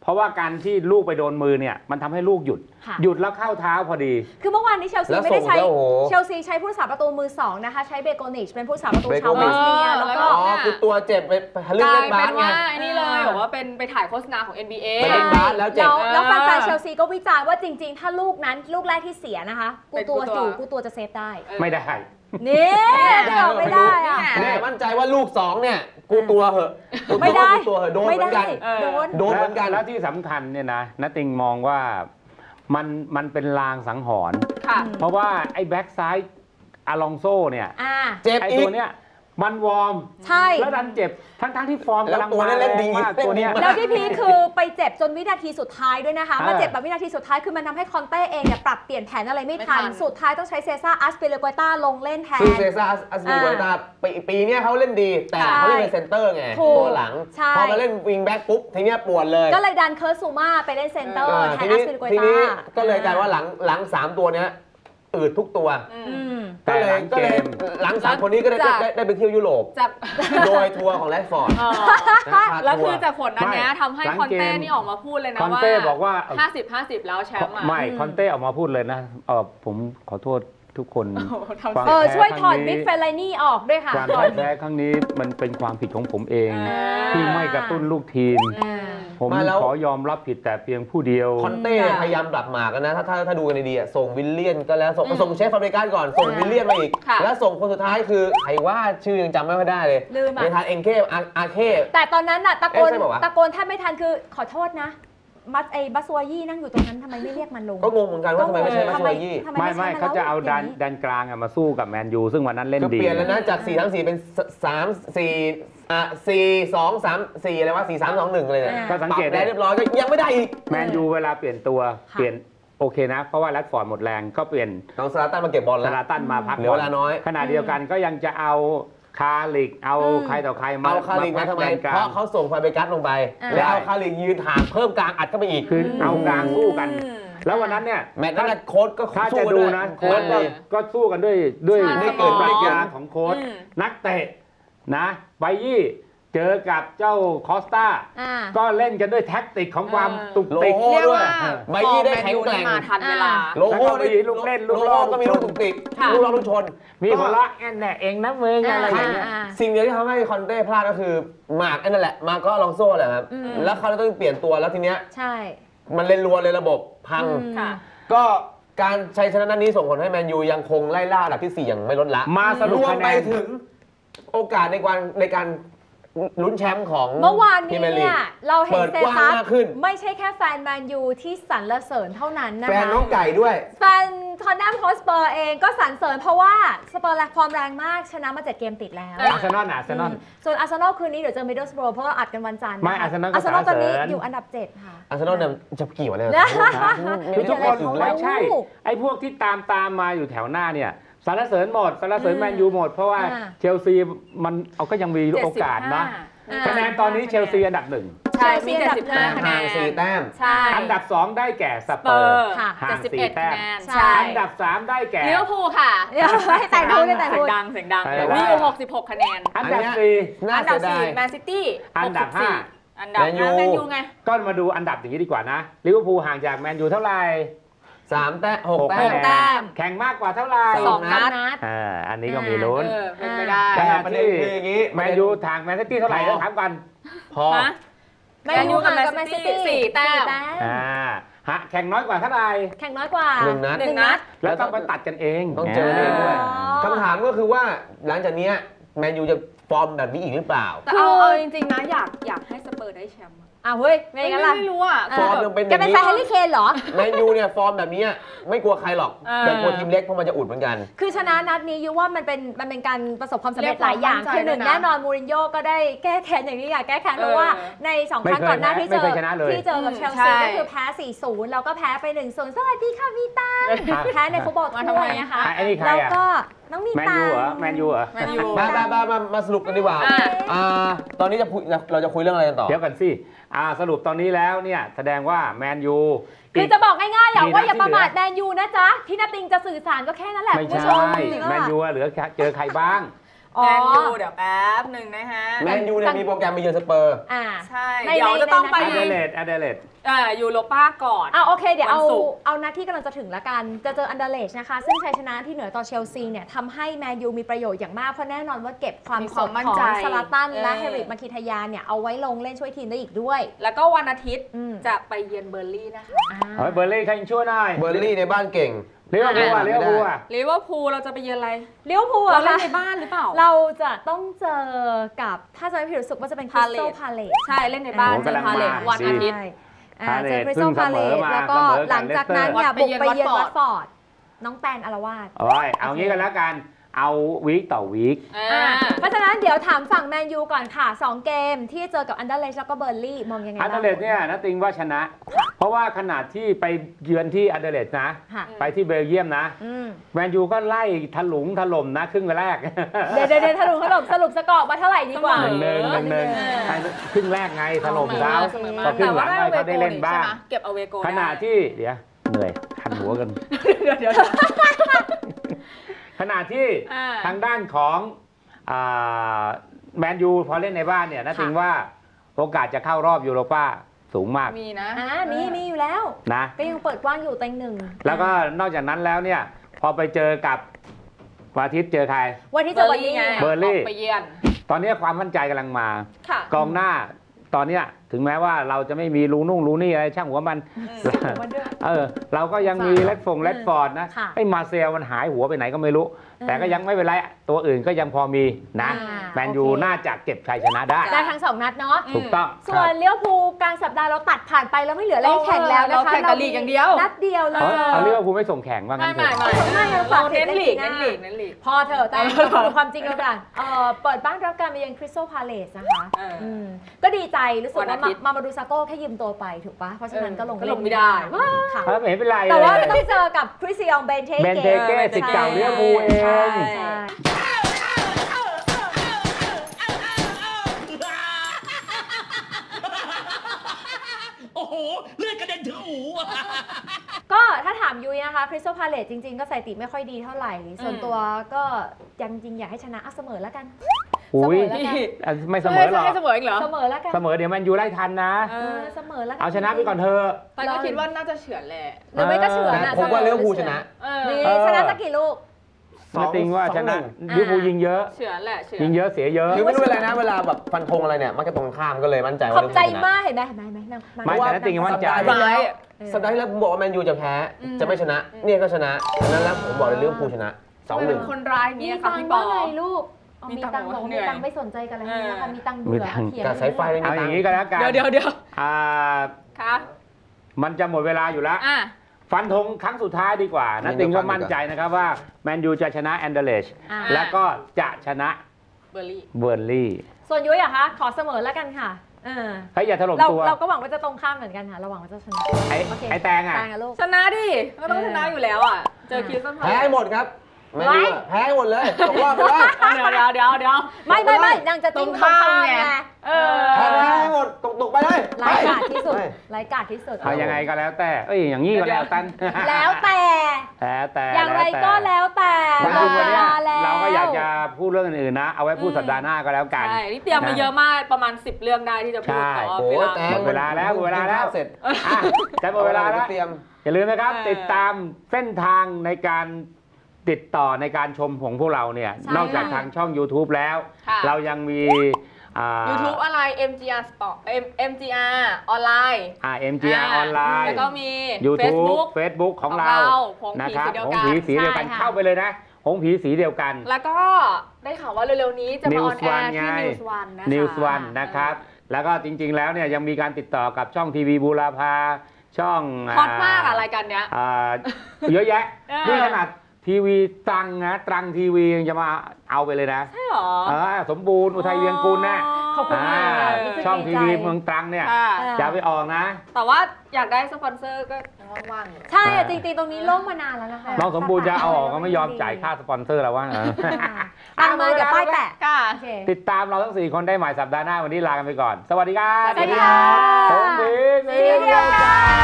[SPEAKER 1] ราะว่าการที่ลูกไปโดนมือเนี่ยมันทำให้ลูกหยุด
[SPEAKER 2] ค่ะ
[SPEAKER 1] หยุดแล้วเข้าเท้าพอดี
[SPEAKER 2] คือเมื่อวานนี้เชลซี
[SPEAKER 3] แล้ว
[SPEAKER 2] ไม่ได้ใช้
[SPEAKER 3] ส่งแล้วโอ้โห
[SPEAKER 2] เชลซีใช้ผู้รักษาประตูมือสองนะคะใช้เบโกนิชเป็นผู้รักษาประตู
[SPEAKER 3] เบโก
[SPEAKER 2] ชาว
[SPEAKER 3] นิ
[SPEAKER 2] บา
[SPEAKER 3] ช
[SPEAKER 2] สเนียแล้ว
[SPEAKER 4] แล้ว
[SPEAKER 2] ก็
[SPEAKER 4] ก็
[SPEAKER 3] อ๋อคือตัวเจ็บไปทะลึ่
[SPEAKER 4] ก
[SPEAKER 3] ง
[SPEAKER 4] ลา
[SPEAKER 3] เล่
[SPEAKER 4] ย
[SPEAKER 3] นบา
[SPEAKER 4] เป็
[SPEAKER 3] ส
[SPEAKER 4] น
[SPEAKER 3] ไง
[SPEAKER 4] ว่าไอ้นี่เลยบอกว่าเป็นไปถ่ายโฆษณาของ เอ็น บี เอ
[SPEAKER 3] ไปเล่นบาสแล้วเจ็บ
[SPEAKER 2] แล้วแล้ว
[SPEAKER 4] อ่า
[SPEAKER 2] แฟนๆเชลซีก็วิจารณ์ว่าจริง ๆ ถ้าลูกนั้นลูกแรกที่เสียนะคะกู
[SPEAKER 4] เป็น
[SPEAKER 2] ตัว
[SPEAKER 4] กูตัว
[SPEAKER 2] อยู่กูตัวจะเซฟได้
[SPEAKER 1] ไม่ได้
[SPEAKER 2] นี่บอกไม่ได้อะ
[SPEAKER 3] แม่มั่นใจว่าลูกสองเนี่ยกูตัวเหอะกู
[SPEAKER 2] ไม่ได้
[SPEAKER 3] กูตัวเหอะโดน
[SPEAKER 2] ไม่
[SPEAKER 3] เหมือน
[SPEAKER 2] ได้
[SPEAKER 3] กัน
[SPEAKER 4] เออ
[SPEAKER 2] โดน
[SPEAKER 3] โดนเหมือนกัน
[SPEAKER 1] แล้วที่สำคัญเนี่ยนะนัตติงมองว่ามันมันเป็นลางสังหรณ์
[SPEAKER 4] ค่ะ
[SPEAKER 1] เพราะว่าไอ้แบ็กซ้ายอลองโซเนี่ย
[SPEAKER 2] อ่า
[SPEAKER 3] เจ็บ
[SPEAKER 1] ไอ้
[SPEAKER 3] อี
[SPEAKER 1] ตั
[SPEAKER 3] ก
[SPEAKER 1] วเนี้ยมันวอร์ม
[SPEAKER 2] ใช่
[SPEAKER 1] แล้วดันเจ็บทั้งทั้งๆที่ฟอร์ม
[SPEAKER 3] แล้ว
[SPEAKER 1] กำลัง
[SPEAKER 3] ตัว
[SPEAKER 1] มา
[SPEAKER 3] นั้น
[SPEAKER 1] แร
[SPEAKER 3] เล่น
[SPEAKER 1] ง
[SPEAKER 3] ดี
[SPEAKER 1] มาก
[SPEAKER 3] เล่นดี
[SPEAKER 1] ตัวเนี้ย
[SPEAKER 3] มาก
[SPEAKER 2] แล้วที่พีคคือไปเจ็บจนวินาทีสุดท้ายด้วยนะคะ
[SPEAKER 1] เออ
[SPEAKER 2] มาเจ็บแบบวินาทีสุดท้ายคือมันทำให้คอนเต้เองเนี่ยปรับเปลี่ยนแผนอะไรไม่
[SPEAKER 4] ไม่
[SPEAKER 2] ทัน
[SPEAKER 4] ทัน
[SPEAKER 2] สุดท้ายต้องใช้เซซ่าอัสเปเรโกต้าลงเล่นแท
[SPEAKER 3] ซึ่งเซ
[SPEAKER 2] น
[SPEAKER 3] ซ่าอัสมิโกตาปีปีเนี้ยเขาเล่นดี แต่
[SPEAKER 2] ใช่
[SPEAKER 3] เขาเล่นเป็นเซนเตอร์ไง
[SPEAKER 2] ถูก
[SPEAKER 3] ตัวหลัง
[SPEAKER 2] ใช่
[SPEAKER 3] พอมาเล่นวิงแบ็กปุ๊บทีเนี้ยปวดเลย
[SPEAKER 2] ก็เลยดันเคิร์สซูมาไปเล่นเซนเตอร์
[SPEAKER 3] อ่า
[SPEAKER 2] แท
[SPEAKER 3] ที
[SPEAKER 2] นอั
[SPEAKER 3] นี้
[SPEAKER 2] สเปเรโก
[SPEAKER 3] ที
[SPEAKER 2] ต้า
[SPEAKER 3] นี้ก็เลยกลายว่าหลังหลังสามตัวเนี้ยอืดทุกตัว
[SPEAKER 4] อื
[SPEAKER 2] อื
[SPEAKER 4] ม
[SPEAKER 2] ม
[SPEAKER 1] แต่
[SPEAKER 3] ก็เล
[SPEAKER 1] หลั
[SPEAKER 3] ย
[SPEAKER 1] ง
[SPEAKER 3] ก็
[SPEAKER 1] เก
[SPEAKER 3] เลย
[SPEAKER 1] ม
[SPEAKER 3] หลังสามคนนี้ก็ได้
[SPEAKER 4] จาก
[SPEAKER 3] ได้ได้ไปเที่ยวยุโรป
[SPEAKER 4] จาก
[SPEAKER 3] โดยทัวร์ของแรดฟอร์ด
[SPEAKER 4] เออ
[SPEAKER 3] นะพา
[SPEAKER 4] แล้ว
[SPEAKER 3] ทัว
[SPEAKER 4] คือ
[SPEAKER 3] ร์
[SPEAKER 4] จากผลนั้นเนี้ย
[SPEAKER 1] ไม่
[SPEAKER 4] ทำให้
[SPEAKER 1] หลัง
[SPEAKER 4] คอนเต้
[SPEAKER 1] เกม
[SPEAKER 4] นี่ออกมาพูดเลยนะ
[SPEAKER 1] คอน
[SPEAKER 4] ว่า
[SPEAKER 1] เต้บอกว่า
[SPEAKER 4] ห้าสิบ ห้าสิบแล้วแชมป์อ่ะ
[SPEAKER 1] ไม่
[SPEAKER 2] อืม
[SPEAKER 1] คอนเต้ออกมาพูดเลยนะเออผมขอโทษทุกคน
[SPEAKER 4] โอ้โหทำ
[SPEAKER 1] ความ
[SPEAKER 2] เออ
[SPEAKER 1] แพ้
[SPEAKER 2] ช่วยถอด
[SPEAKER 1] ครั้ง
[SPEAKER 2] บิ๊
[SPEAKER 1] นี้
[SPEAKER 2] กเฟลไลนี่ออกด้วยค่ะ
[SPEAKER 1] การ
[SPEAKER 2] ก่อ
[SPEAKER 1] พ่าย
[SPEAKER 2] น
[SPEAKER 1] แพ้ครั้งนี้มันเป็นความผิดของผมเอง
[SPEAKER 4] อ่า
[SPEAKER 1] ที่ไม่กระตุ้นลูกทีม
[SPEAKER 2] อ่า
[SPEAKER 1] ผม
[SPEAKER 3] มาแล้ว
[SPEAKER 1] ขอยอมรับผิดแต่เพียงผู้เดียว
[SPEAKER 3] คอนเต้พยายามปรับหมากกันนะถ้าถ้าถ้าดูกันดีๆอ่ะส่งวิลเลียนก็แล้วส่ง
[SPEAKER 4] อืม
[SPEAKER 3] ส่งเชฟฟาเบริกาก่อนส่ง
[SPEAKER 2] อ่า
[SPEAKER 3] วิลเลียนมาอีก
[SPEAKER 4] ค่ะ
[SPEAKER 3] แล้วส่งคนสุดท้ายคือใครว่าชื่อยังจำไม่ค่อยได้เลย
[SPEAKER 2] ลืมอะ
[SPEAKER 3] ในทางเอ็นเคอาอาเค
[SPEAKER 2] แต่ตอนนั้นน่ะตะโกน
[SPEAKER 3] เอ๊ะใช่เปล่าวะ
[SPEAKER 2] ตะโกนแทบไม่ทันคือขอโทษนะมัสไอ้บัสวายี่นั่งอยู่ตรงนั้นทำไมไม่เรียกมันลง
[SPEAKER 3] ก็งงเหมือนกันว่าทำไมไม่ใช่มา
[SPEAKER 2] ทำ
[SPEAKER 3] ช
[SPEAKER 2] ไม
[SPEAKER 3] วยี่
[SPEAKER 2] ทำไม
[SPEAKER 1] ไม่
[SPEAKER 2] ไม่
[SPEAKER 1] ไม่
[SPEAKER 2] ใช่
[SPEAKER 1] เขาจะเอาดัน
[SPEAKER 2] ย่ง
[SPEAKER 1] ดันกลางอะมาสู้กับแมนยูซึ่งวันนั้นเล่น
[SPEAKER 3] คือ
[SPEAKER 1] ดี
[SPEAKER 3] เปลี่ยนแล้วนะจากสี่ทั้งสี่เป็นสามสี่อ่ะสี่สองสามสี่อะไรวะสี่สามสองหนึ่งเลยเนี่ย
[SPEAKER 2] อ่า
[SPEAKER 1] ก็สังเกต
[SPEAKER 3] ปรับได้
[SPEAKER 1] ได้
[SPEAKER 3] เรียบร้อยก็ยังไม่ได้อีก
[SPEAKER 1] แมนยูเวลาเปลี่ยนตัว
[SPEAKER 2] ค่ะ
[SPEAKER 1] เปลี่ยนโอเคนะ เพราะว่าแรดฟอร์ดหมดแรงก็เปลี่ยน
[SPEAKER 3] น้องสลาตันมาเก็บบอล
[SPEAKER 1] ซา
[SPEAKER 3] แล้ว
[SPEAKER 1] ลาตันมาพัก
[SPEAKER 3] เหลือเวลาน้อย
[SPEAKER 1] ขณะเดียวกันก็ยังจะเอาคาลิกเอา
[SPEAKER 2] อืม
[SPEAKER 1] ใครต่อใครมา
[SPEAKER 3] เอาคาริกมาทำไม
[SPEAKER 1] แดนกล
[SPEAKER 3] เพราะเขาส่งฟาเบกัสลงไป
[SPEAKER 2] อ่า
[SPEAKER 3] แล้วเอาคาริกยืนห่างเพิ่มกลางอัดเข้าไปอีก
[SPEAKER 1] คือเอากลางสู้กัน
[SPEAKER 4] อืม
[SPEAKER 1] แล้ววันนั้นเนี่ย
[SPEAKER 3] แมตช์นั้นนะโค้ชก็
[SPEAKER 1] ถ้า
[SPEAKER 3] สู้
[SPEAKER 1] จะ
[SPEAKER 3] กัน
[SPEAKER 1] ดู
[SPEAKER 3] ด้วย
[SPEAKER 1] นะ
[SPEAKER 3] โค้
[SPEAKER 1] โค้
[SPEAKER 3] ช
[SPEAKER 1] ช
[SPEAKER 3] เลย
[SPEAKER 1] ก็สู้กันด้วยด้วย
[SPEAKER 4] ใช่
[SPEAKER 1] ด้วย
[SPEAKER 3] เกิน
[SPEAKER 1] ปรัช
[SPEAKER 3] ไม่เกิน
[SPEAKER 1] ญาของโค้ช
[SPEAKER 4] อืม
[SPEAKER 1] นักเตะนะไบยี่เจอกับเจ้าคอสตา
[SPEAKER 2] อ่า
[SPEAKER 1] ก็เล่นกันด้วยแท็กติกของความ
[SPEAKER 4] เออ
[SPEAKER 1] ตุก
[SPEAKER 3] โล
[SPEAKER 1] ติก
[SPEAKER 3] โก้
[SPEAKER 4] เรียก
[SPEAKER 3] ด้วย
[SPEAKER 4] ว่า
[SPEAKER 3] ไบยี่ได้แข็งแกร่ง
[SPEAKER 4] มาทันเวลา
[SPEAKER 3] โลโก้
[SPEAKER 1] แล้วก็มีลูกเล่นลูก
[SPEAKER 3] โล
[SPEAKER 1] ล่อ
[SPEAKER 3] โก้ก็มีลูกตุกติก
[SPEAKER 4] ค่ะ
[SPEAKER 3] ลูกล่อลูกชน
[SPEAKER 1] มีหัวเราะแอนแน่เองนะมึงอะไรอย่างเงี้ย
[SPEAKER 2] อ่า
[SPEAKER 3] สิ่งเดียวที่ทำให้คอนเต้พลาดก็คือหมากไอ้นั่นแหละมาก็ลองโซ่แหละครับ
[SPEAKER 2] อืม
[SPEAKER 3] แล้วเขาเลยต้องเปลี่ยนตัวแล้วทีเนี้ย
[SPEAKER 2] ใช่
[SPEAKER 3] มันเล่นรัวเลยระบบพัง
[SPEAKER 2] อืม
[SPEAKER 4] ค่ะ
[SPEAKER 3] ก็การชัยชนะนัดนี้ส่งผลให้แมนยูยังคงไล่ล่าอันดับที่สี่อย่างไม่ลดละ
[SPEAKER 1] มาสรุป
[SPEAKER 3] รวม
[SPEAKER 1] คะแน
[SPEAKER 3] ไป
[SPEAKER 1] น
[SPEAKER 3] ถึงโอกาสในการในการลุ้นแชมป์ของ
[SPEAKER 2] เมื่อวาน
[SPEAKER 3] พรี
[SPEAKER 2] นี้
[SPEAKER 3] เมียร์ลี
[SPEAKER 2] เนี่
[SPEAKER 3] ก
[SPEAKER 2] ยเราเห็น
[SPEAKER 3] เปิด
[SPEAKER 2] เซ
[SPEAKER 3] กว้าง
[SPEAKER 2] ซัส
[SPEAKER 3] มากขึ้น
[SPEAKER 2] ไม่ใช่แค่แฟนแมนยูที่สรรเสริญเท่านั้นนะคะ
[SPEAKER 3] แฟนน้องไก่ด้วย
[SPEAKER 2] แฟนทอนแนมฮอสเปอร์เองก็สรรเสริญเพราะว่าสเปอร์แรงความแรงมากชนะมาเจ็ดเกมติดแล้ว
[SPEAKER 1] อาร์เซนอลนะอาร์เซนอล
[SPEAKER 2] อืมส่วนอาร์เซนอลคืนนี้เดี๋ยวเจอมิดเดิลสโบรเพราะเราอัดกันวันจันทร์
[SPEAKER 1] ไม่
[SPEAKER 2] ะคะ
[SPEAKER 1] อาร์เซนอลก็
[SPEAKER 2] อาร์เซนอลตอนนี้
[SPEAKER 1] สรรเสริญ
[SPEAKER 2] อยู่อันดับเจ็ดค่ะ
[SPEAKER 3] อาร์เซนอลเนี่ยจะกี่วะเนี่ย
[SPEAKER 2] นะ
[SPEAKER 1] คือทุกคน
[SPEAKER 2] ไม่
[SPEAKER 1] ไม่
[SPEAKER 2] ใช่
[SPEAKER 1] ใช่ ไอ้พวกที่ตามตามมาอยู่แถวหน้าเนี่ยสรรเสริญหมดสรรเสริญ
[SPEAKER 2] อืม
[SPEAKER 1] แมนยูหมด เพราะว่า
[SPEAKER 2] อ่า
[SPEAKER 1] เชลซีมันเอาก็ยังมีโอกาสนะ
[SPEAKER 2] อ่า
[SPEAKER 1] คะแนนตอนนี้เชลซีอันดับหนึ่ง
[SPEAKER 4] ใช่ มีเจ็ดสิบห้าคะแน
[SPEAKER 3] ห่าง
[SPEAKER 4] น
[SPEAKER 3] สี่แต้ม
[SPEAKER 4] ใช่
[SPEAKER 1] อันดับสองได้แก่ส
[SPEAKER 4] ส
[SPEAKER 1] เป
[SPEAKER 4] เป
[SPEAKER 1] อ
[SPEAKER 4] อ
[SPEAKER 1] ร์
[SPEAKER 4] ร์
[SPEAKER 2] ค่ะ
[SPEAKER 1] ห่าง
[SPEAKER 4] เจ็ดสิบ
[SPEAKER 1] สี่
[SPEAKER 4] เอ็ด
[SPEAKER 1] แต้
[SPEAKER 4] คะ
[SPEAKER 1] ม
[SPEAKER 4] แนน
[SPEAKER 2] ใช่
[SPEAKER 1] อันดับสามได้แก่
[SPEAKER 4] ลิเวอร์พูลค่ะ
[SPEAKER 2] เดี๋ยวให้แต่งพูดให้แต่ง
[SPEAKER 4] เสี
[SPEAKER 2] พู
[SPEAKER 4] ย
[SPEAKER 2] ด
[SPEAKER 4] งดังเสียงดัง
[SPEAKER 1] ไปแล้ว
[SPEAKER 4] มีอยู่หกสิบหกคะแนน
[SPEAKER 1] อันดับสี่
[SPEAKER 3] น่า
[SPEAKER 4] อันดั
[SPEAKER 3] เสี
[SPEAKER 4] บ
[SPEAKER 3] ยดา
[SPEAKER 4] สี่
[SPEAKER 3] ย
[SPEAKER 4] แมนซิตี้
[SPEAKER 1] อันดับห้า
[SPEAKER 4] อันดับ
[SPEAKER 3] แมนยู
[SPEAKER 4] ห้าแมนยูไง
[SPEAKER 1] ก็มาดูอันดับอย่างนี้ดีกว่านะลิเวอร์พูลห่างจากแมนยูเท่าไหร่
[SPEAKER 3] สามแต้มหก
[SPEAKER 1] หก
[SPEAKER 3] แต้
[SPEAKER 1] คะ
[SPEAKER 3] ม
[SPEAKER 1] แน
[SPEAKER 2] แต้
[SPEAKER 1] น
[SPEAKER 2] ม
[SPEAKER 1] แข่งมากกว่าเท่าไหร่
[SPEAKER 4] สองนัด
[SPEAKER 2] นัด
[SPEAKER 1] อ่าอันนี้ก็มีลุ้น
[SPEAKER 4] เออเป็นไปได้
[SPEAKER 1] ขณะ
[SPEAKER 3] ประเด็น
[SPEAKER 1] ที่
[SPEAKER 3] คืออย่างนี้
[SPEAKER 1] แมนยูทางแมนซิตี้เท่าไหร่เดี๋ยวถามกัน
[SPEAKER 3] พอ
[SPEAKER 4] ฮะ
[SPEAKER 2] แมนยูห่างกับแมนซิตี้
[SPEAKER 4] สี่แต้ม
[SPEAKER 1] อ่าฮะแข่งน้อยกว่าเท่าไหร่
[SPEAKER 2] แข่งน้อยกว่า
[SPEAKER 3] หนึ่งนัด
[SPEAKER 4] หนึ่งนัด
[SPEAKER 1] แล้วต้องไปตัดกันเอง
[SPEAKER 3] ต้องเจอเองด้วย
[SPEAKER 2] อ๋อ
[SPEAKER 3] คำถามก็คือว่าหลังจากเนี้ยแมนยูจะฟอร์มแบบนี้อีกหรือเปล่า
[SPEAKER 4] แต่เอาเอาจริงๆนะอยากอยากให้สเปอร์ได้แชมป์อะ
[SPEAKER 2] อ่ะเฮ้ยไม่
[SPEAKER 4] ไม่
[SPEAKER 2] งั้นล่ะ
[SPEAKER 4] ไม่รู้อ่ะ
[SPEAKER 3] ฟอร์มยังเป็นอ
[SPEAKER 2] แก
[SPEAKER 3] ย่าง
[SPEAKER 2] เป็น
[SPEAKER 3] นี้
[SPEAKER 2] แฟนแฮร์รี่เคนเหรอ
[SPEAKER 3] แมนยูเนี่ยฟอร์มแบบนี้ไม่กลัวใครหรอก
[SPEAKER 4] เออ
[SPEAKER 3] แต่กลัวทีมเล็กเพราะมันจะอุดเหมือนกัน
[SPEAKER 2] คือชนะนัดนี้ยูว่ามันเป็นมันเป็นการประสบความสำเร็จ
[SPEAKER 4] เรียก
[SPEAKER 2] หลายอย่าง
[SPEAKER 4] ความมั่นใจ
[SPEAKER 2] คือหนึ่ง
[SPEAKER 4] ด้วยนะ
[SPEAKER 2] แน่นอนมูรินโญ่ก็ได้แก้แค้นอย่างที่อยากแก้แค้นเพราะว่า
[SPEAKER 4] เออ
[SPEAKER 2] ในสองครั้งก่อนหน้าที่เจ
[SPEAKER 1] ไม่
[SPEAKER 2] อ
[SPEAKER 1] เคยชนะเลย
[SPEAKER 2] ที่เจอกับเชล
[SPEAKER 4] ใช่
[SPEAKER 2] ซีก็คือแพ้ สี่ศูนย์แล้วก็แพ้ไป หนึ่งศูนย์ สวัสดีค่ะมีตังแพ้ในฟุตบอล
[SPEAKER 4] มา
[SPEAKER 2] ถ้
[SPEAKER 4] ทำไม
[SPEAKER 2] วย
[SPEAKER 4] อะ
[SPEAKER 2] นะคะ
[SPEAKER 1] อ่ะไอ้นี่ใคร
[SPEAKER 2] แล้ว
[SPEAKER 1] อ่ะ
[SPEAKER 2] ก็น้องมี
[SPEAKER 1] แมน
[SPEAKER 2] ตั
[SPEAKER 1] ยู
[SPEAKER 2] ง
[SPEAKER 1] เหรอแมนยูเหรอ
[SPEAKER 4] แมนยู
[SPEAKER 3] มามามามามาสรุปกันดีกว่า
[SPEAKER 4] อ่ะ
[SPEAKER 3] อ่าตอนนี้จะคุยเราจะคุยเรื่องอะไรกันต่อ
[SPEAKER 1] เดี๋ยวกันสิอ่าสรุปตอนนี้แล้วเนี่ยแสดงว่าแมนยู
[SPEAKER 2] คือจะบอกง่ายๆอย่าง
[SPEAKER 1] มี
[SPEAKER 2] ว่า
[SPEAKER 1] นัด
[SPEAKER 2] อย่าประมาท
[SPEAKER 1] ที่เหลือ
[SPEAKER 2] แมนยูนะจ๊ะที่นาติงจะสื่อสารก็แค่นั้นแหละ
[SPEAKER 1] ไม่
[SPEAKER 2] คุณผู้
[SPEAKER 1] ใช่
[SPEAKER 2] ชมจริงๆ
[SPEAKER 1] แมนยูอะเหลือเจอใครบ้าง
[SPEAKER 2] อ๋อ
[SPEAKER 4] แมนยูเดี๋ยวแป๊บหนึ่งนะฮะ
[SPEAKER 3] แมนยูเนี่ยมีโปรแกรมไปเยือนสเปอร์
[SPEAKER 2] อ่า
[SPEAKER 4] ใช่
[SPEAKER 2] ใน
[SPEAKER 4] เดี๋ยวจะต้องไป
[SPEAKER 1] แอดเดเลดแอดเดเลด
[SPEAKER 4] เอ่อยูโรป้าก่อน
[SPEAKER 2] เอาโอเคเดี๋ยวเอา
[SPEAKER 4] วันศุกร์
[SPEAKER 2] เอานัดที่กำลังจะถึงละกัน จะเจออันเดอร์เลชนะคะ ซึ่งชัยชนะที่เหนือต่อเชลซีเนี่ยทำให้แมนยูมีประโยชน์อย่างมาก เพราะแน่นอนว่าเก็บความ
[SPEAKER 4] มี
[SPEAKER 2] ส
[SPEAKER 4] ความ
[SPEAKER 2] ด
[SPEAKER 4] มั่น
[SPEAKER 2] ของ
[SPEAKER 4] ใจ
[SPEAKER 2] ซาลาตันและ
[SPEAKER 4] เออ
[SPEAKER 2] เฮริตมาคิทายาเนี่ยเอาไว้ลงเล่นช่วยทีมได้อีกด้วย
[SPEAKER 4] แล้วก็วันอาทิตย์
[SPEAKER 2] อืม
[SPEAKER 4] จะไปเยือนเบอร์ลี่นะคะ
[SPEAKER 1] เฮ้ยเบอร์ลี่ใครช่วยหน่อย
[SPEAKER 3] เบอร์ลี่ในบ้านเก่ง
[SPEAKER 1] เลี้ยวบัวเลี้ยวบัว
[SPEAKER 4] ลิเวอร์พูลเราจะไปเยือนอะไร
[SPEAKER 2] ลิเวอร์พูล
[SPEAKER 4] เรา
[SPEAKER 2] อะ
[SPEAKER 4] เล่น
[SPEAKER 2] คะ
[SPEAKER 4] ในบ้านหรือเปล่า
[SPEAKER 2] เราจะต้องเจอกับถ้าจะไม่ผิดรู้สึกว่าจะเป็นคริสตัล
[SPEAKER 4] Palace
[SPEAKER 2] พาเลส
[SPEAKER 4] ใช่เล่นในบ้าน
[SPEAKER 1] โอ้
[SPEAKER 4] เจอก
[SPEAKER 1] ำลัง
[SPEAKER 4] พาเลต
[SPEAKER 1] มา
[SPEAKER 4] วันอาทิตย์
[SPEAKER 2] อ่าเจอ
[SPEAKER 1] Palace
[SPEAKER 2] คริสตัล
[SPEAKER 1] เพิ่
[SPEAKER 2] พาง
[SPEAKER 1] เส
[SPEAKER 2] เล
[SPEAKER 1] มอ
[SPEAKER 2] ส
[SPEAKER 1] มา
[SPEAKER 2] แล้วก็
[SPEAKER 1] เสมอกับ
[SPEAKER 2] หลังจากนั้น
[SPEAKER 1] Leicester
[SPEAKER 2] เนี่ยบุกไปเยือน
[SPEAKER 4] ไปเยือน
[SPEAKER 2] วั
[SPEAKER 4] วั
[SPEAKER 2] ต
[SPEAKER 4] ต
[SPEAKER 2] ฟ
[SPEAKER 4] ฟ
[SPEAKER 2] อ
[SPEAKER 4] อร์
[SPEAKER 2] ร์ด
[SPEAKER 4] ด
[SPEAKER 2] น้องแตนอารวาส
[SPEAKER 1] โอ้ยเอางี้กันแล้วกัน เอาวีคต่อวีค
[SPEAKER 4] อ่า
[SPEAKER 2] อ่าเพราะฉะนั้นเดี๋ยวถามฝั่งแมนยูก่อนค่ะ สอง เกมที่เจอกับอันเดอร์เลชแล้วก็เบอร์ลี่มองยังไง
[SPEAKER 1] อันเด
[SPEAKER 2] บ้า
[SPEAKER 1] อง ร์เลดเนี่ยนะติงว่าชนะ เพราะว่าขนาดที่ไปเยือนที่อันเดอร์เลดนะ
[SPEAKER 2] ค่ะ
[SPEAKER 1] ไปที่เบลเยียมนะ
[SPEAKER 2] อืม
[SPEAKER 1] แมนยูก็ไล่ถลุงถล่มนะครึ่งแรก
[SPEAKER 2] เดี๋ยวเดี๋ยวเดี๋ยวถลุงถล่มสรุปสกอร์มาเท่าไหร่ดีกว่า
[SPEAKER 1] หนึ่งหนึ่งหนึ่งหนึ่ง
[SPEAKER 2] เออ
[SPEAKER 1] ครึ่งแรกไงถล่มเขา
[SPEAKER 4] เสมอมา
[SPEAKER 1] พอครึ่งหลัง
[SPEAKER 4] แต่
[SPEAKER 1] ไปเขาได้เล่นบ้าง
[SPEAKER 4] ใช่ไหมเก็บเอาเวโก
[SPEAKER 1] ขณะที่เดี๋ยวเหนื่อยหันหัวกัน
[SPEAKER 4] เดี๋ยวเดี๋ยว
[SPEAKER 1] ขณะที่
[SPEAKER 4] อ่า
[SPEAKER 1] ทางด้านของแมนยูพอเล่นในบ้านเนี่ยนะติงว่าโอกาสจะเข้ารอบยูโรป้าสูงมาก
[SPEAKER 4] มีนะ
[SPEAKER 2] อ่ามีมีอยู่แล้ว
[SPEAKER 1] นะ
[SPEAKER 2] ก็ยังเปิดกว้างอยู่เต็งหนึ่ง
[SPEAKER 1] แล้วก็นอกจากนั้นแล้วเนี่ยพอไปเจอกับวันอาทิตย์เจอใคร
[SPEAKER 2] วันที่เจอเบอร์ลี่
[SPEAKER 4] ไง
[SPEAKER 1] เบอร์ลี่
[SPEAKER 4] กไปเยือน
[SPEAKER 1] ตอนนี้ความมั่นใจกำลังมา
[SPEAKER 4] ค่ะ
[SPEAKER 1] กองหน้าตอนเนี้ยถึงแม้ว่าเราจะไม่มีรูนุ่งรูนี่อะไรช่างหัวมัน
[SPEAKER 2] วันเดือน
[SPEAKER 1] เออเราก็ยังมีเลดฟงเลดฟอร์ดนะ
[SPEAKER 2] ค่ะ
[SPEAKER 1] ไอ้มาเซลมันหายหัวไปไหนก็ไม่รู้
[SPEAKER 2] ออ
[SPEAKER 1] แต่ก็ยังไม่เป็นไรตัวอื่นก็ยังพอมีนะ
[SPEAKER 2] อ่า
[SPEAKER 1] แมนยู
[SPEAKER 2] โอเค
[SPEAKER 1] น่าจะเก็บชัยชนะได้
[SPEAKER 2] ได้ทั้งสองนัดเนาะ
[SPEAKER 1] ถูกต้อง
[SPEAKER 2] ส่วนเลี้ยวภูลกลางสัปดาห์เราตัดผ่านไปแล้วไม่เหลืออะไรให้แข่งแล้วนะคะ
[SPEAKER 4] เราแข่งกับลีกอย่างเดียว
[SPEAKER 2] นัดเดียวเล
[SPEAKER 1] เอา
[SPEAKER 2] ย
[SPEAKER 1] เอาเรียกว่าภูลไม่ส่งแข่งว่างั้
[SPEAKER 4] ไม่
[SPEAKER 1] นเถ
[SPEAKER 4] ไม่
[SPEAKER 1] อะ
[SPEAKER 4] ไม่
[SPEAKER 2] ไม่เราฝาก
[SPEAKER 4] เน้น
[SPEAKER 2] เด็ก
[SPEAKER 4] ลีก
[SPEAKER 2] เล่
[SPEAKER 4] เน้
[SPEAKER 2] น
[SPEAKER 4] น
[SPEAKER 2] ลี
[SPEAKER 4] ลี
[SPEAKER 2] ก
[SPEAKER 4] กเน้นลีก
[SPEAKER 2] พอเถอะแต่เราดูความจริงแล้วกันเอ่อเปิดบ้านรับการไปยังคริสตัลพาเลสนะคะ
[SPEAKER 4] เอออื
[SPEAKER 2] มก็ดีใจรู้สึก
[SPEAKER 4] วัน
[SPEAKER 2] ว่า
[SPEAKER 4] อาทิตย์
[SPEAKER 2] มามาดูซาโก้แค่ยืมตัวไปถูกปะเพราะฉะนั้นก็ลง
[SPEAKER 4] ก็
[SPEAKER 2] เล่
[SPEAKER 4] ล
[SPEAKER 2] น
[SPEAKER 4] งไม่ได้
[SPEAKER 2] ค่ะ
[SPEAKER 1] เออไม่เห็นเป็นไร
[SPEAKER 2] แต่ว่า
[SPEAKER 1] เล
[SPEAKER 2] ก็
[SPEAKER 1] ย
[SPEAKER 2] ต้องเจอกับคริสซิองเบนเท
[SPEAKER 1] เบนเทเก้สิทธิ์เก่าเลี้ยวภูลเอง
[SPEAKER 2] ใช่
[SPEAKER 5] โอ้โห เลือดกระเด็นถึงหูอะ
[SPEAKER 2] ก็ถ้าถามยุ้ยนะคะคริสตัลพาเลสจริงๆ ก็ใส่ติไม่ค่อยดีเท่าไหร่ ส่วนตัวก็ยังจริงอยากให้ชนะอ่ะเสมอแล้วกัน
[SPEAKER 1] อุ้ย
[SPEAKER 2] เสมอแล้วกัน
[SPEAKER 1] อ่ะไม่เสมอหรอก
[SPEAKER 4] ให้เสมออีกเหรอ
[SPEAKER 2] เสมอแล้วกัน
[SPEAKER 1] เสมอเดี๋ยวแมนยูไล่ทันนะ
[SPEAKER 4] เอ
[SPEAKER 2] เอ
[SPEAKER 4] อ
[SPEAKER 2] อเสมอแล้วกั
[SPEAKER 1] เอาชนะไปก่อนเถอะ
[SPEAKER 4] แต่ก็คิดว่าน่าจะเฉือนแหละ
[SPEAKER 2] หรือไม่ก็เฉือน
[SPEAKER 3] แต่
[SPEAKER 2] อ่ะ
[SPEAKER 3] ผมว่าเลี้ยวภูลชนะ
[SPEAKER 4] เออ
[SPEAKER 2] นี่
[SPEAKER 1] เออ
[SPEAKER 2] ชนะสักกี่ลูก
[SPEAKER 1] ไม่ติงว่าชนะ
[SPEAKER 3] สองหนึ่ง
[SPEAKER 1] ลิเวอร์พูลยิงเยอะ
[SPEAKER 4] เฉือนแหละเฉือน
[SPEAKER 1] ยิงเยอะเสียเยอะ
[SPEAKER 3] คือไม่รู้อะไรนะเวลาแบบฟันธงอะไรเนี่ยมักจะตรงข้ามก็เลยมั่นใจ
[SPEAKER 2] ข
[SPEAKER 3] ว่า
[SPEAKER 2] อบใจ
[SPEAKER 3] ลิเวอร์พูลชนะ
[SPEAKER 2] มากเห็นไหมเห็นไหมเห็นไหมนาง
[SPEAKER 1] ไม่แต่ละติงมั่นใจ
[SPEAKER 3] สัปดาห์ที่แล้ว
[SPEAKER 2] เออ
[SPEAKER 3] สัปดาห์ที่แล้วผมบอกว่าแมนยูจะแพ้
[SPEAKER 4] อืม
[SPEAKER 3] จะไม่ชนะ เนี่ยก็ชนะดังนั้นแล้วผมบอกเลยลิเวอร์พูลชนะสองหนึ่ง
[SPEAKER 4] คนร้าย
[SPEAKER 2] มี
[SPEAKER 4] เนี้ย
[SPEAKER 2] ตั
[SPEAKER 4] ค่ะ
[SPEAKER 2] ง
[SPEAKER 4] พี่
[SPEAKER 2] ค์
[SPEAKER 4] ปอ
[SPEAKER 2] ว่าไงลูกอ๋อ
[SPEAKER 4] มี
[SPEAKER 2] มี
[SPEAKER 4] ตั
[SPEAKER 2] ตั
[SPEAKER 4] ง
[SPEAKER 2] ง
[SPEAKER 4] ค์
[SPEAKER 2] ค์บอกว่า
[SPEAKER 4] เหนื่
[SPEAKER 2] มี
[SPEAKER 4] อย
[SPEAKER 2] ตังค์ไม่สนใจกันอะไรนี้นะคะ
[SPEAKER 4] เออ
[SPEAKER 2] มีตังค์
[SPEAKER 1] มี
[SPEAKER 2] เบื่อ
[SPEAKER 1] ตังค์
[SPEAKER 2] เถียง
[SPEAKER 3] แต่สายไฟไม่มี
[SPEAKER 1] เอาอย่างนี้ก็แล้วกัน
[SPEAKER 4] เดี๋ยวเดี๋ยวเดี๋ยว
[SPEAKER 1] อ่า
[SPEAKER 4] ค่ะ
[SPEAKER 1] มันจะหมดเวลาอยู่แล้ว
[SPEAKER 4] อ่ะ
[SPEAKER 1] ฟันธงครั้งสุดท้ายดีกว่านะติงก็มั่นใจนะครับว่าแมนยูจะชนะแอนเดอร์เลช
[SPEAKER 2] อ่า
[SPEAKER 1] แล้วก็จะชนะ
[SPEAKER 4] เบอร์ลี่
[SPEAKER 1] เบอร์ลี่
[SPEAKER 2] ส่วนยุ้ยอะคะขอเสมอแล้วกันค่ะเออ
[SPEAKER 1] เฮ้ยอย่าถล่ม
[SPEAKER 2] เรา
[SPEAKER 1] ตัว
[SPEAKER 2] เราก็หวังว่าจะตรงข้ามเหมือนกันค่ะเราหวังว่าจะชนะ
[SPEAKER 1] ไอ้
[SPEAKER 2] โอเค
[SPEAKER 1] ไอ้แตงอ่ะ
[SPEAKER 2] แตงอะลูก
[SPEAKER 4] ชนะดิก็ต้องชนะอยู่แล้วอ่ะ เจอคิวซันพา
[SPEAKER 3] แพ้ให้หมดครับแมนยูอะแพ้ให้หมดเลยตกรอบไปเลย
[SPEAKER 4] เดี๋ยวเดี๋ยวเดี๋ยวเดี๋ยว
[SPEAKER 2] ไม่ไม่ไม่นางจะติ้ง
[SPEAKER 4] ตรงข้ามไง
[SPEAKER 2] ไง
[SPEAKER 4] เออ
[SPEAKER 3] แพ้แพ้ให้หมดตกตกไปเลย
[SPEAKER 2] ไร้กาดที่สุด
[SPEAKER 3] ไป
[SPEAKER 2] ไร้กาดที่สุด
[SPEAKER 1] เอายังไงก็แล้วแต่ เอ้ยอย่างนี้ก็แล้วตัน
[SPEAKER 2] แล้วแต่
[SPEAKER 1] แล้วแต่
[SPEAKER 2] อย่างไรก็แล้วแต่
[SPEAKER 1] วันนี้วันเนี้ย
[SPEAKER 2] มาแล้ว
[SPEAKER 1] เราก็อยากจะพูดเรื่องอื่นๆนะ เอาไว้พูดสัปดาห์หน้าก็แล้วกัน
[SPEAKER 4] ใช่ นี่เตรียมมาเยอะมาก ประมาณสิบเรื่องได้ที่จะพูด
[SPEAKER 1] ใช่
[SPEAKER 4] แต่ว่า
[SPEAKER 3] โอ้
[SPEAKER 4] เว
[SPEAKER 3] โห
[SPEAKER 4] ลา
[SPEAKER 3] แต่
[SPEAKER 1] หมดเวลาแล้วหมดเวลาแล้ว
[SPEAKER 3] เสร็จ
[SPEAKER 1] อ่ะจะหมดเวลาแล้ว
[SPEAKER 3] เตรียม
[SPEAKER 1] อย่าลืมนะครับ
[SPEAKER 4] เออ
[SPEAKER 1] ติดตามเส้นทางในการติดต่อในการชมของพวกเราเนี่ย
[SPEAKER 2] ใช่
[SPEAKER 1] นอกจากทางช่อง YouTube แล้ว
[SPEAKER 4] ค่ะ
[SPEAKER 1] เรายังมีอ่า
[SPEAKER 4] YouTube อะไร เอ็ม จี อาร์ Sport เอ็ม เอ็ม จี อาร์ ออนไลน์
[SPEAKER 1] อ่า เอ็ม จี อาร์ ออนไลน์
[SPEAKER 4] แล้วก็มี
[SPEAKER 1] YouTube
[SPEAKER 4] Facebook
[SPEAKER 1] Facebook ของเรา
[SPEAKER 4] ของ
[SPEAKER 1] นะ
[SPEAKER 4] ผี
[SPEAKER 1] ครั
[SPEAKER 4] สี
[SPEAKER 1] บ
[SPEAKER 4] เดียว
[SPEAKER 1] ของ
[SPEAKER 4] กัน
[SPEAKER 1] ผีสีเดียวกัน
[SPEAKER 2] ใช่ค่ะ
[SPEAKER 1] เข้าไปเลยนะของผีสีเดียวกัน
[SPEAKER 4] แล้วก็ได้ข่าวว่าเร็วๆนี้จะมาออน
[SPEAKER 1] News
[SPEAKER 4] แอ
[SPEAKER 1] One
[SPEAKER 4] ร์ที่
[SPEAKER 1] ไง
[SPEAKER 4] News One นะคะ
[SPEAKER 1] News One นะครับ แล้วก็จริงๆแล้วเนี่ยยังมีการติดต่อกับช่องทีวีบูรพาช่อง
[SPEAKER 4] ฮอตมากอะรายการเนี้ย
[SPEAKER 1] อ่าเยอะแยะ
[SPEAKER 4] เออ
[SPEAKER 1] นี่ขนาดทีวีตรังนะตรังทีวียังจะมาเอาไปเลยนะ
[SPEAKER 4] ใช่หรอ
[SPEAKER 1] เออสมบูรณ์อุทัยเวียงกุลนะ
[SPEAKER 2] ขอบคุณมาก
[SPEAKER 1] อ่า
[SPEAKER 2] รู้สึก
[SPEAKER 1] ช่อง
[SPEAKER 2] ดี
[SPEAKER 1] ที
[SPEAKER 2] ใจ
[SPEAKER 1] วีเมืองตรังเนี่ย
[SPEAKER 4] ค่ะ
[SPEAKER 2] เออ
[SPEAKER 1] จะเอาไปออกนะ
[SPEAKER 4] แต่ว่าอยากได้สปอนเซอร์ก็ยังว่างๆอยู่
[SPEAKER 2] ใช่อะจริงๆ ตรงนี้โล่งมานานแล้วนะคะ
[SPEAKER 1] น้องสมบูรณ์จะเอาออกก็ไม่ยอมจ่ายค่าสปอนเซอร์แล้วว่า
[SPEAKER 2] ตามมาเดี๋ยวป้ายแปะ
[SPEAKER 4] ค่ะ
[SPEAKER 2] โอเค
[SPEAKER 1] ติดตามเราทั้งสี่คนได้ใหม่สัปดาห์หน้าวันนี้ลากันไปก่อน สวัสดีครับ
[SPEAKER 2] สวัสดีค่ะ
[SPEAKER 1] ผมบิ๊ก
[SPEAKER 2] สีเดียวกัน